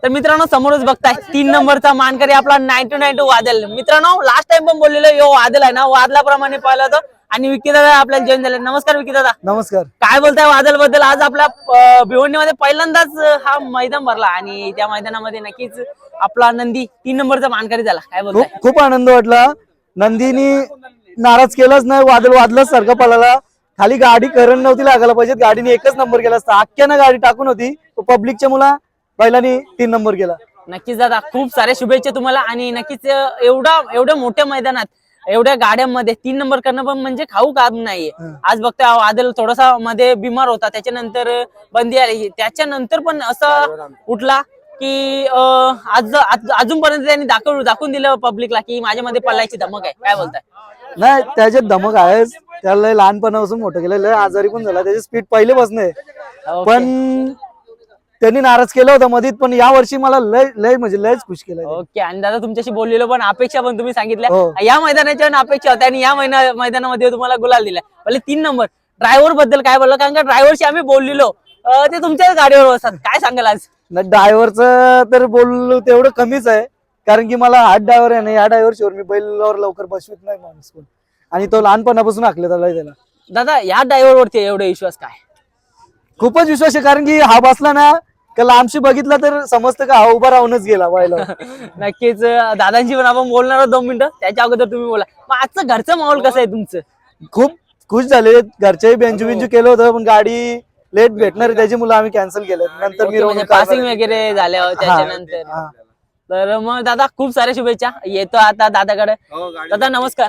तर मित्रांनो समोरच बघताय 3 नंबरचा मानकरी आपला 9292 वादल. मित्रांनो लास्ट टाइम पण बोललेलो यो वादल आहे ना वादलाप्रमाणे पाहिलं होतं आणि विकी दादा आपल्याला जॉईन झाले. नमस्कार विकी दादा. नमस्कार. काय बोलताय वादल बद्दल? आज आपल्या भिवंडीमध्ये पहिल्यांदाच हा मैदान भरला आणि त्या मैदानामध्ये नक्कीच आपला नंदी 3 नंबरचा मानकरी झाला. काय बोलताय? खूप आनंद वाटला. नंदीनी नाराज केलाच नाही. वादल सारखा पळाला. खाली गाडी करण नव्हती लागायला पाहिजे. गाडीने एकच नंबर केला असता. अख्ख्यानं गाडी टाकून होती. पब्लिकच्या मुला बैलांनी 3 नंबर केला. नक्कीच दादा खूप साऱ्या शुभेच्छा तुम्हाला आणि नक्कीच एवढ्या मोठ्या मैदानात एवढ्या गाड्यांमध्ये 3 नंबर करणं पण म्हणजे खाऊ काम नाहीये. आज बघतोय आदल थोडासा मध्ये बिमार होता, त्याच्यानंतर बंदी आली, त्याच्यानंतर पण असं उठला की अजूनपर्यंत त्यांनी दाखवून दिलं पब्लिकला की माझ्यामध्ये पळायची धमक आहे. काय बोलताय? नाही त्याच्यात धमक आहेच. त्याला लहानपणापासून मोठं केलं. लय आजारी पण झाला. त्याची स्पीड पहिलेपासून आहे. पण त्यांनी नाराज केलं होतं मधीत. पण या वर्षी मला लय म्हणजे लयच खुश केलं. ओके. आणि दादा तुमच्याशी बोललेलो पण अपेक्षा पण तुम्ही सांगितल्या या मैदानाच्या अपेक्षा होत्या आणि या मैदानामध्ये तुम्हाला गुलाल दिला. पहिले 3 नंबर. ड्रायव्हर बद्दल काय बोलला? कारण का ड्रायव्हरशी आम्ही बोललेलो ते तुमच्याच गाडीवर असतात. काय सांगाल आज? ड्रायव्हरचं तर बोललो तेवढं कमीच आहे. कारण की मला हात ड्रायव्हर आहे ना, या ड्रायव्हरशिवर मी बैलावर लवकर बसवित नाही माणूस कोण. आणि तो लहानपणापासून आखले त्याला. दादा या ड्रायव्हर वरती एवढा विश्वास काय? खूपच विश्वास आहे. कारण की हा बसला ना का लांबशी बघितला तर समजतं का हा उभा राहूनच गेला बैला. नक्कीच दादांशी पण आपण बोलणार आहोत 2 मिनिटं. त्याच्या अगोदर तुम्ही बोला. मग आजचं घरचं माहोल कसं आहे तुमचं? खूप खुश झाले. घरच्याही बेंजू केलं होतं पण गाडी लेट भेटणार त्याची मुलं आम्ही कॅन्सल केलं. नंतर मी पासिंग वगैरे झाल्या त्याच्यानंतर. तर मग दादा खूप साऱ्या शुभेच्छा. येतो आता दादाकडे. दादा नमस्कार.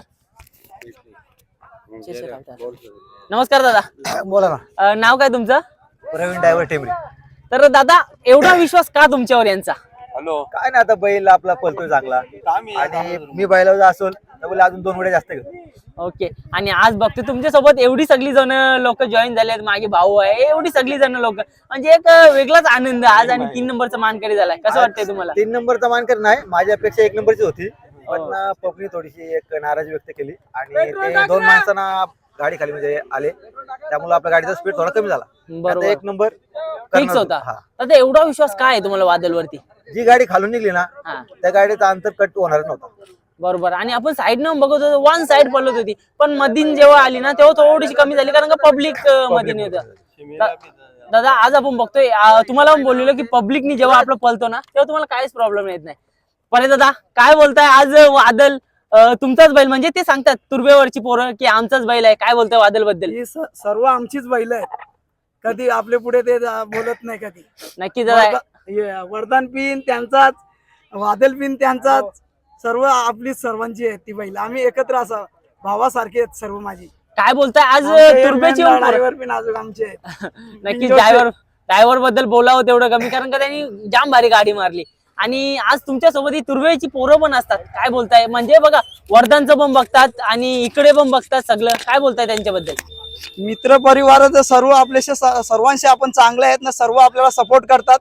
नमस्कार दादा. बोला ना. नाव काय तुमचं? प्रवीण ड्रायव्हर टेंबरी. तर दादा एवढा विश्वास का तुमच्यावर यांचा? काय ना आता बैल आपला पळतोय चांगला आणि मी बैलावर असो तर अजून 2 वेळा जास्त ओके. आणि आज बघतो तुमच्या सोबत एवढी सगळी जण लोक जॉईन झाले. मागे भाऊ आहे, एवढी सगळी जण लोक म्हणजे एक वेगळाच आनंद आज. आणि 3 नंबरचा मानकरी झालाय. कसं वाटतंय तुम्हाला? 3 नंबरचा मानकरी नाही, माझ्यापेक्षा 1 नंबरची होती. पण पब्लिक थोडीशी एक नाराजी व्यक्त केली आणि ते 2 माणसांना गाडी खाली म्हणजे आले, त्यामुळे आपल्या गाडीचा स्पीड थोडा कमी झाला. बरोबर. 1 नंबर फिक्स होता. आता एवढा विश्वास काय आहे तुम्हाला वादल वरती? जी गाडी खालून निघली ना त्या गाडीचा अंतर कट होणार नव्हता. बरोबर. आणि आपण साईड न बघत होतो, 1 साइड पडत होती, पण मधीन जेव्हा आली ना तेव्हा थोडीशी कमी झाली कारण का पब्लिक मधीन होतं. दादा आज आपण बघतोय तुम्हाला पण बोललेलो की पब्लिकनी जेव्हा आपलं पळतो ना तेव्हा तुम्हाला काहीच प्रॉब्लेम येत नाही. पण दादा काय बोलताय? आज वादल तुमचाच बैल म्हणजे ते सांगतात तुर्बेवरची पोरं की आमचाच बैल आहे. काय बोलताय वादल बद्दल? सर्व आमचीच बैल आहेत. कधी आपले पुढे ते बोलत नाही कधी. नक्की दादा. वरदान पिन त्यांचाच, वादल पिन त्यांचाच, सर्व आपली सर्वांची आहेत ती बैल. आम्ही एकत्र असं भावासारखे आहेत सर्व माझी. काय बोलताय? आज तुर्बेची ड्रायव्हर पिन अजून आमचे आहेत. नक्की ड्रायव्हर बद्दल बोलावं तेवढं कमी कारण का त्यांनी जाम भारी गाडी मारली. आणि आज तुमच्या सोबत ही तुर्बेची पोरं पण असतात. काय बोलताय? म्हणजे बघा वर्धनचं पण बघतात आणि इकडे पण बघतात सगळं. काय बोलताय त्यांच्याबद्दल? मित्र परिवार सर्व आपल्याशी सर्वांशी आपण चांगले आहेत ना. सर्व आपल्याला सपोर्ट करतात.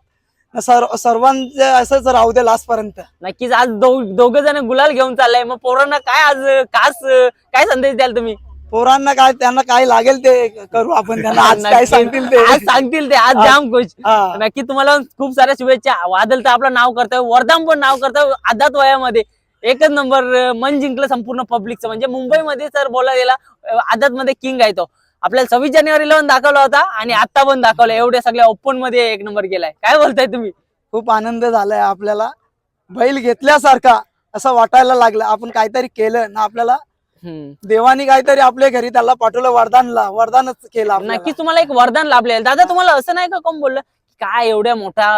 सर्वांचे असंच राहू दे लास्ट पर्यंत. नक्कीच. आज दोघ जण गुलाल घेऊन चाललाय. मग पोरांना काय आज खास काय संदेश द्याल तुम्ही? पोरांना काय त्यांना काय लागेल ते करू आपण. त्यांना आज काय सांगतील ते आज सांगतील ते. आज जाम खुश. नक्की तुम्हाला खूप साऱ्या शुभेच्छा. वादल तर आपलं नाव करतोय, वर्धन पण नाव करतोय. आदात वयामध्ये 1च नंबर मन जिंकलं संपूर्ण पब्लिकचं. म्हणजे मुंबईमध्ये जर बोलायला गेला आदात मध्ये किंग आहे तो. आपल्याला 26 जानेवारीला पण दाखवला होता आणि आता पण दाखवला. एवढ्या सगळ्या ओपन मध्ये 1 नंबर केलाय. काय बोलताय तुम्ही? खूप आनंद झालाय आपल्याला. बैल घेतल्यासारखा असं वाटायला लागलं. आपण काहीतरी केलं ना. आपल्याला देवानी काहीतरी आपल्या घरी त्याला पाठवलं. वरदानच केलं. नक्कीच तुम्हाला एक वरदान लाभले. दादा तुम्हाला असं नाही का कोण बोललं काय एवढा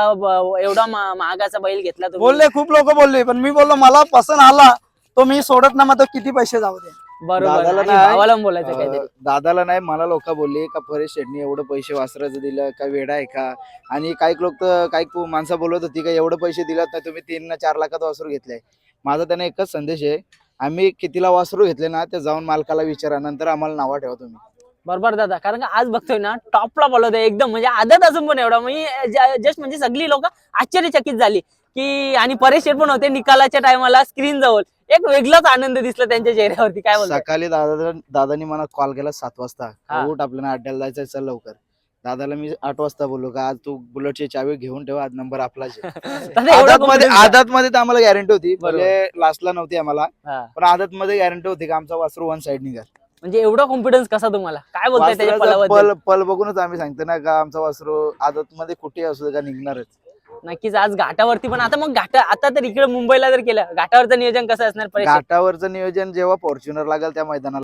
महागाचा बैल घेतला? बोलले खूप लोक बोलले पण मी बोललो मला पसंत आला तो मी सोडत ना. मग तो किती पैसे जाऊ दे. बरोबर. भावाला बोलायचं काहीतरी. दादाला नाही मला लोक बोलले का परेश शेटणी एवढं पैसे वासराचं दिलं का वेडा आहे का? आणि काही लोक तर काही माणसं बोलत होती का एवढं पैसे दिलात नाही तुम्ही 3-4 लाखात वासरू घेतलंय. माझा त्यांना एकच संदेश आहे, आम्ही कितीला वासरू घेतले ना ते जाऊन मालकाला विचारा, नंतर आम्हाला नावा ठेवा तुम्ही. बरोबर दादा. कारण का आज बघतोय ना टॉपला बोलवतोय एकदम. म्हणजे आदत अजून पण एवढा म्हणजे जस्ट म्हणजे सगळी लोक आश्चर्यचकित झाली की. आणि परेश शेट पण होते निकालाच्या टायमाला स्क्रीन जवळ. एक वेगळाच आनंद दिसला त्यांच्या चेहऱ्यावरती. काय बोलतो? सकाळी दादानी मला कॉल केला 7 वाजता, उठ आपल्याला अड्ड्याला जायचं, चल लवकर. दादाला मी 8 वाजता बोललो का आज तू बुलेटची चावी घेऊन ठेव, आज नंबर आपलाच आहे. दादा एवढा confidence आहे. आदत मध्ये तर आम्हाला गॅरंटी होती, बरोबर. म्हणजे लास्टला नव्हती आम्हाला, हा. पण आदत मध्ये गॅरंटी होती का आमचा वासरू वन साइड निघाल. म्हणजे एवढा कॉन्फिडन्स कसा तुम्हाला, काय बोलताय त्याच्या वासराचा पलाबद्दल? पल बघूनच आम्ही सांगतो ना का आमचा वासरू आदत मध्ये कुठे असू दे का निघणारच. नक्कीच आज घाटावरती पण आता मग आता तर इकडे मुंबईला जर केलं घाटावरचं नियोजन कसं असणार परीक्षेत? घाटावरचं नियोजन जेव्हा फॉर्च्युनर लागेल त्या मैदानाला